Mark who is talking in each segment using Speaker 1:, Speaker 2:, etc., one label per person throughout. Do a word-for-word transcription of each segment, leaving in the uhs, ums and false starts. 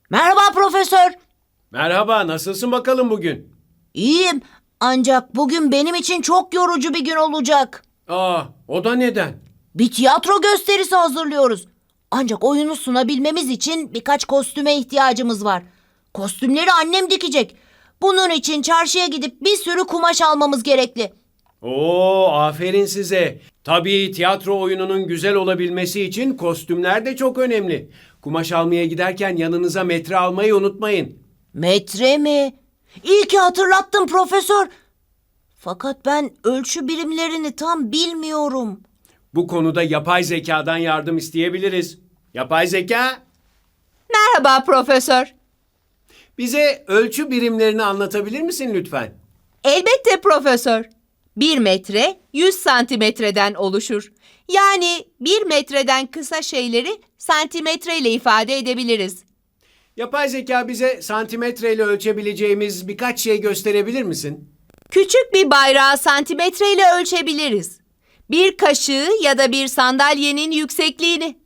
Speaker 1: Merhaba profesör.
Speaker 2: Merhaba, nasılsın bakalım bugün?
Speaker 1: İyiyim. Ancak bugün benim için çok yorucu bir gün olacak.
Speaker 2: Aa, o da neden?
Speaker 1: Bir tiyatro gösterisi hazırlıyoruz. Ancak oyunu sunabilmemiz için birkaç kostüme ihtiyacımız var. Kostümleri annem dikecek. Bunun için çarşıya gidip bir sürü kumaş almamız gerekli.
Speaker 2: Oo, aferin size. Tabii tiyatro oyununun güzel olabilmesi için kostümler de çok önemli. Kumaş almaya giderken yanınıza metre almayı unutmayın.
Speaker 1: Metre mi? İyi ki hatırlattın profesör. Fakat ben ölçü birimlerini tam bilmiyorum.
Speaker 2: Bu konuda yapay zekadan yardım isteyebiliriz. Yapay zeka,
Speaker 3: Merhaba profesör.
Speaker 2: bize ölçü birimlerini anlatabilir misin lütfen?
Speaker 3: Elbette profesör. Bir metre yüz santimetreden oluşur. Yani bir metreden kısa şeyleri santimetre ile ifade edebiliriz.
Speaker 2: Yapay zeka bize santimetreyle ölçebileceğimiz birkaç şey gösterebilir misin?
Speaker 3: Küçük bir bayrağı santimetre ile ölçebiliriz. Bir kaşığı ya da bir sandalyenin yüksekliğini.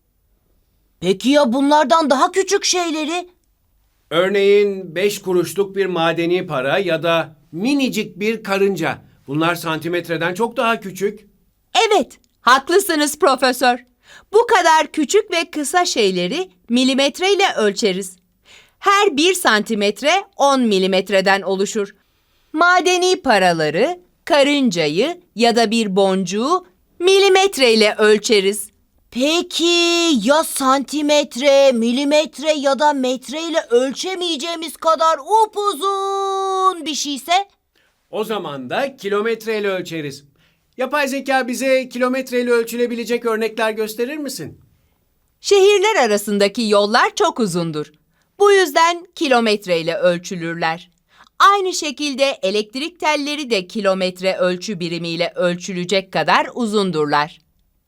Speaker 1: Peki ya bunlardan daha küçük şeyleri?
Speaker 2: Örneğin beş kuruşluk bir madeni para ya da minicik bir karınca. Bunlar santimetreden çok daha küçük.
Speaker 3: Evet, haklısınız profesör. Bu kadar küçük ve kısa şeyleri milimetre ile ölçeriz. Her bir santimetre on milimetreden oluşur. Madeni paraları, karıncayı ya da bir boncuğu milimetre ile ölçeriz.
Speaker 1: Peki ya santimetre, milimetre ya da metre ile ölçemeyeceğimiz kadar upuzun bir şeyse?
Speaker 2: O zaman da kilometreyle ölçeriz. Yapay zeka bize kilometreyle ölçülebilecek örnekler gösterir misin?
Speaker 3: Şehirler arasındaki yollar çok uzundur. Bu yüzden kilometre ile ölçülürler. Aynı şekilde elektrik telleri de kilometre ölçü birimiyle ölçülecek kadar uzundurlar.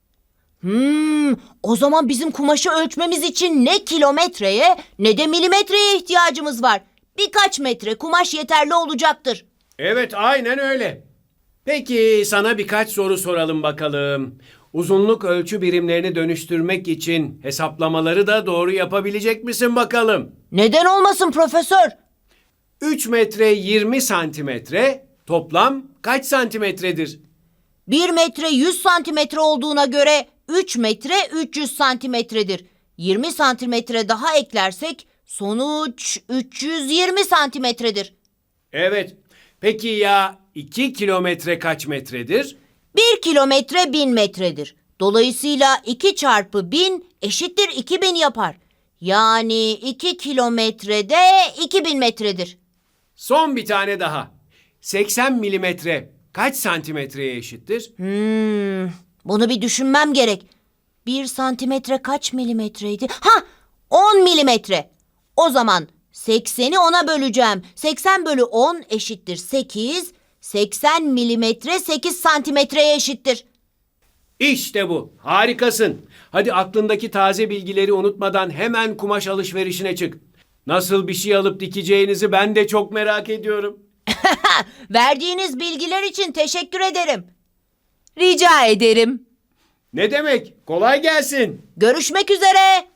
Speaker 1: Hmm, o zaman bizim kumaşı ölçmemiz için ne kilometreye ne de milimetreye ihtiyacımız var. Birkaç metre kumaş yeterli olacaktır.
Speaker 2: Evet, aynen öyle. Peki sana birkaç soru soralım bakalım. Uzunluk ölçü birimlerini dönüştürmek için hesaplamaları da doğru yapabilecek misin bakalım?
Speaker 1: Neden olmasın profesör?
Speaker 2: üç metre yirmi santimetre toplam kaç santimetredir?
Speaker 1: Bir metre yüz santimetre olduğuna göre üç metre üç yüz santimetredir. yirmi santimetre daha eklersek sonuç üç yüz yirmi santimetredir.
Speaker 2: Evet. Peki ya iki kilometre kaç metredir?
Speaker 1: bir kilometre bin metredir. Dolayısıyla iki çarpı bin eşittir iki bin yapar. Yani iki kilometrede iki bin metredir.
Speaker 2: Son bir tane daha. seksen milimetre kaç santimetreye eşittir?
Speaker 1: Hmm, bunu bir düşünmem gerek. Bir santimetre kaç milimetreydi? Ha, on milimetre. O zaman sekseni ona böleceğim. seksen bölü on eşittir sekiz. seksen milimetre sekiz santimetreye eşittir.
Speaker 2: İşte bu. Harikasın. Hadi aklındaki taze bilgileri unutmadan hemen kumaş alışverişine çık. Nasıl bir şey alıp dikeceğinizi ben de çok merak ediyorum.
Speaker 1: Verdiğiniz bilgiler için teşekkür ederim.
Speaker 3: Rica ederim.
Speaker 2: Ne demek? Kolay gelsin.
Speaker 1: Görüşmek üzere.